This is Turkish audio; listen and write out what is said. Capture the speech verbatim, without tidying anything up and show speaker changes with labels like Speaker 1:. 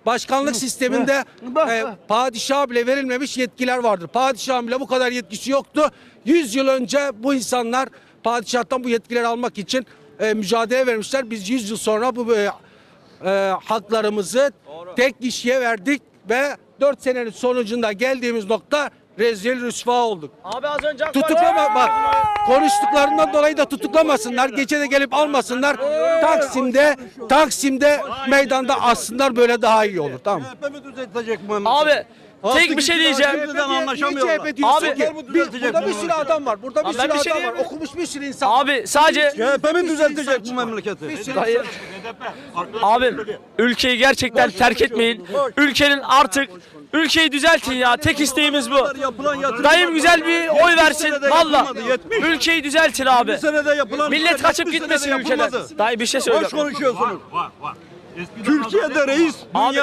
Speaker 1: başkanlık sisteminde e, padişaha bile verilmemiş yetkiler vardır. Padişahın bile bu kadar yetkisi yoktu. yüz yıl önce bu insanlar padişahtan bu yetkileri almak için e, mücadele vermişler. Biz yüz yıl sonra bu e, e, haklarımızı tek kişiye verdik ve dört senenin sonucunda geldiğimiz nokta rezil rüsva olduk.
Speaker 2: Abi az önce
Speaker 1: Tutuklama bak, konuştuklarından dolayı da tutuklamasınlar. Gece de gelip almasınlar. Taksim'de Taksim'de meydanda assınlar, böyle daha iyi olur. Tamam.
Speaker 3: C H P mi düzeltecek bu
Speaker 2: Abi tek bir şey diyeceğim.
Speaker 3: Şimdiden anlaşamıyorlar.
Speaker 1: C H P diyorsun
Speaker 2: Abi,
Speaker 1: ki,
Speaker 3: bu
Speaker 1: bir,
Speaker 3: düzeltecek
Speaker 1: burada bir
Speaker 3: bu
Speaker 1: sürü adam var. Burada bir
Speaker 2: Abi ben
Speaker 1: sürü
Speaker 2: bir şey
Speaker 1: adam var.
Speaker 2: diyeyim mi?
Speaker 1: Okumuş bir sürü insan var.
Speaker 2: Abi sadece
Speaker 3: C H P mi
Speaker 1: Bir sürü
Speaker 3: düzeltecek
Speaker 1: insan
Speaker 3: bu
Speaker 1: var.
Speaker 3: memleketi?
Speaker 1: Bir sürü
Speaker 2: Dayı, abim ülkeyi gerçekten terk etmeyin. Ülkenin artık ülkeyi düzeltin ya. Tek isteğimiz bu.
Speaker 3: Yapılan yatırımlar-
Speaker 2: Dayım güzel bir oy versin.
Speaker 3: senede
Speaker 2: Valla.
Speaker 3: yapılmadı, yetmiş.
Speaker 2: Ülkeyi düzeltin abi.
Speaker 3: Bir senede yapılan
Speaker 2: Millet kaçıp
Speaker 3: yetmiş
Speaker 2: gitmesin
Speaker 3: senede
Speaker 2: ülkeden.
Speaker 3: yapılmadı.
Speaker 2: Dayı bir şey
Speaker 3: Boş
Speaker 2: söyle.
Speaker 3: konuşuyorsunuz. Türkiye'de reis
Speaker 2: Abi